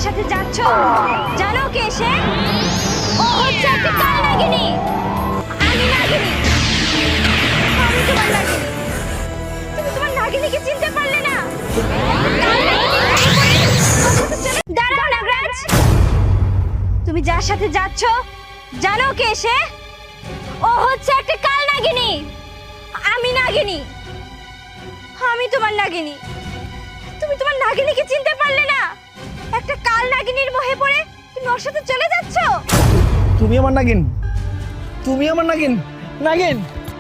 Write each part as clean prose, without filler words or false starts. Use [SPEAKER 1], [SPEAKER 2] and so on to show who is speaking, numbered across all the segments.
[SPEAKER 1] সাথে যাচ্ছ জানো কে সে? ও হচ্ছে একটা কাল নাগিনী। আমি নাগিনী, আমি তোমার নাগিনী। তুমি তোমার নাগিনীকে চিনতে পারলে না? দাঁড়াও নাগরাজ, তুমি যার সাথে যাচ্ছ জানো কে সে? ও হচ্ছে একটা কাল নাগিনী। আমি নাগিনী, আমি তোমার নাগিনী। তুমি তোমার নাগিনীকে চিনতে পারলে না? একটা কাল নাগিনীর মোহে পড়ে তুমি ওর সাথে চলে যাচ্ছ।
[SPEAKER 2] তুমি আমার নাগিন, তুমি আমার নাগিন, নাগিন।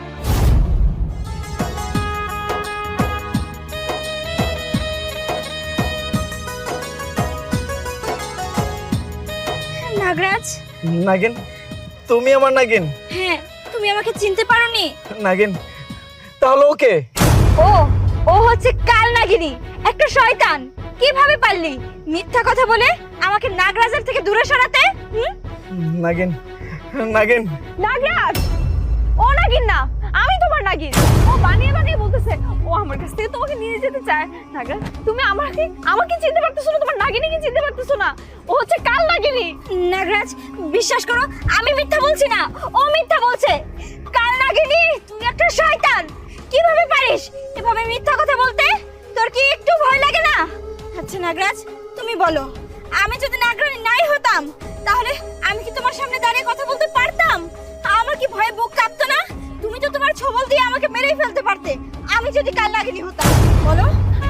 [SPEAKER 1] নাগরাজ,
[SPEAKER 2] নাগিন, তুমি আমার নাগিন।
[SPEAKER 1] হ্যাঁ তুমি আমাকে চিনতে পারোনি?
[SPEAKER 2] নাগিন, তাহলে ওকে?
[SPEAKER 1] ও ও হচ্ছে কাল নাগিনী, একটা শয়তান। কিভাবে পারলি মিথ্যা কথা বলে আমাকে নাগরাজের থেকে দূরে সরাতে?
[SPEAKER 2] নাগিন, নাগিন।
[SPEAKER 3] নাগরাজ, ও নাগিন না, আমি তোমার নাগিন। ও বানিয়ে বানিয়ে বলতেছে ও আমার কাছ থেকে তোমাকে নিয়ে যেতে চায়। নাগরাজ, তুমি আমাকে চিনতে পারতেছো না, তোমার নাগিনীকে চিনতে পারতেছো না। ও হচ্ছে কাল নাগিনী।
[SPEAKER 1] নাগরাজ বিশ্বাস করো, আমি মিথ্যা বলছি না, ও মিথ্যা বলছে। কাল নাগিনী তুই একটা শয়তান। কিভাবে পারিস এভাবে মিথ্যা কথা বলতে? তোর কি একটু ভয় লাগে না? আচ্ছা নাগরাজ তুমি বলো, আমি যদি নাগরানী নাই হতাম তাহলে আমি কি তোমার সামনে দাঁড়িয়ে কথা বলতে পারতাম? আমার কি ভয়ে বুক কাঁপতো না? তুমি তো তোমার ছবল দিয়ে আমাকে মেরেই ফেলতে পারতে আমি যদি কাল নাগিনী হতাম। বলো।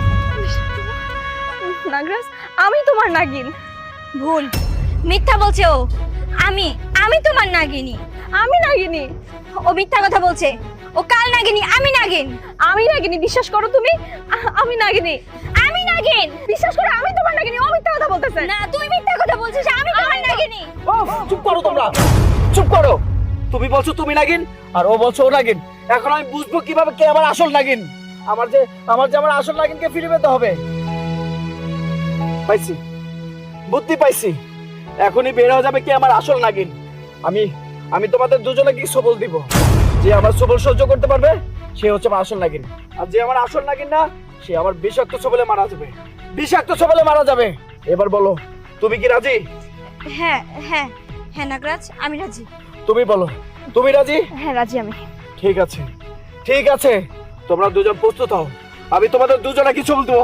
[SPEAKER 3] নাগরাজ, আমি তোমার নাগিন।
[SPEAKER 1] ভুল, মিথ্যা বলছে ও। আমি তোমার নাগিনী।
[SPEAKER 3] আমি নাগিনী।
[SPEAKER 1] ও মিথ্যা কথা বলছে, ও কাল নাগিনী, আমি নাগিন।
[SPEAKER 3] আমি নাগিনী, বিশ্বাস করো তুমি। আমি নাগিনী।
[SPEAKER 1] আমি নাগিন,
[SPEAKER 3] বিশ্বাস করো, আমি তোমার নাগিনী। ও মিথ্যা কথা বলতেছে।
[SPEAKER 1] না তুই মিথ্যা কথা বলছিস, আমি তোমার নাগিনী।
[SPEAKER 2] চুপ করো তোমরা, চুপ করো। তুমি বলছো তুমি নাগিন আর ও বলছো ও নাগিন। এখন আমি বুঝবো কিভাবে কে আমার আসল নাগিন? আমার আসল নাগিনকে ফিরে পেতে হবে। পাইছি, বুদ্ধি পাইছি। এখনই বের হয়ে যাবে কে আমার আসল নাগিন। আমি তোমাদের দুজনে কি সবল দিব। যে আমার সবল সহ্য করতে পারবে সে হচ্ছে আমার আসল নাগিন, আর যে আমার আসল নাগিন না সে আমার বিষাক্ত সবলে মারা যাবে, বিষাক্ত সবলে মারা যাবে। এবার বলো, তুমি কি রাজি?
[SPEAKER 1] হ্যাঁ হ্যাঁ হ্যাঁ নাগরাজ, আমি রাজি।
[SPEAKER 2] তুমি বলো, তুমি রাজি?
[SPEAKER 3] হ্যাঁ রাজি আমি।
[SPEAKER 2] ঠিক আছে, ঠিক আছে, তোমরা দুজন প্রস্তুত হও। আমি তোমাদের দুজনে কিছু বলবো।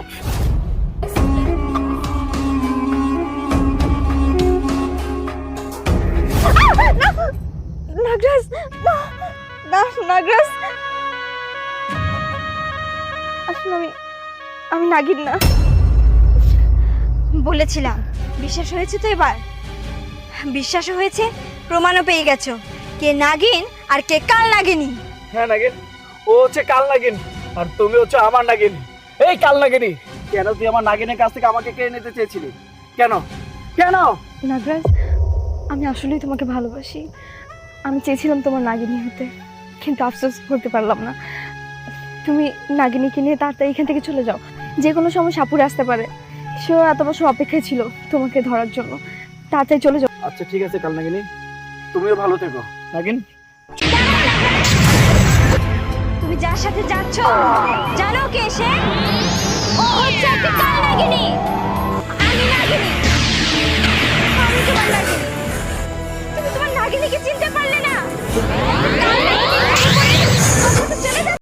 [SPEAKER 3] নাগরাজ, না নাগরাজ, আসলে আমি নাগিন না।
[SPEAKER 1] বলেছিলাম, বিশ্বাস হয়েছে তো এবার? বিশ্বাসও হয়েছে, প্রমাণও পেয়ে গেছো কে নাগিন আর কে কাল নাগিনী।
[SPEAKER 2] হ্যাঁ নাগিন, ও হচ্ছে কাল নাগিন আর তুমি হচ্ছে আমার নাগিন। এই কাল নাগিনী, কেন তুই আমার নাগিনের কাছ থেকে আমাকে কেড়ে নিতে চেয়েছিলি? কেন কেন?
[SPEAKER 3] নাগরাজ, আমি আসলেই তোমাকে ভালোবাসি। আমি চেয়েছিলাম তোমার নাগিনী হতে, কিন্তু আফসোস করতে পারলাম না। তুমি নাগিনীকে নিয়ে তাড়াতাড়ি এখান থেকে চলে যাও। যে কোনো সময় সাপুরে আসতে পারে। সেও এত বছর অপেক্ষায় ছিল তোমাকে ধরার জন্য। তাড়াতাড়ি চলে যাও।
[SPEAKER 2] আচ্ছা ঠিক আছে কাল নাগিনী, তুমিও ভালো থেকো। নাগিন,
[SPEAKER 1] তুমি যার সাথে যাচ্ছ জানো কে সে? ও হচ্ছে একটা কাল নাগিনী। আমি নাগিনী, আমি তোমার নাগিনী। তুমি তোমার নাগিনীকে চিনতে পারলে না? কাল নাগিনী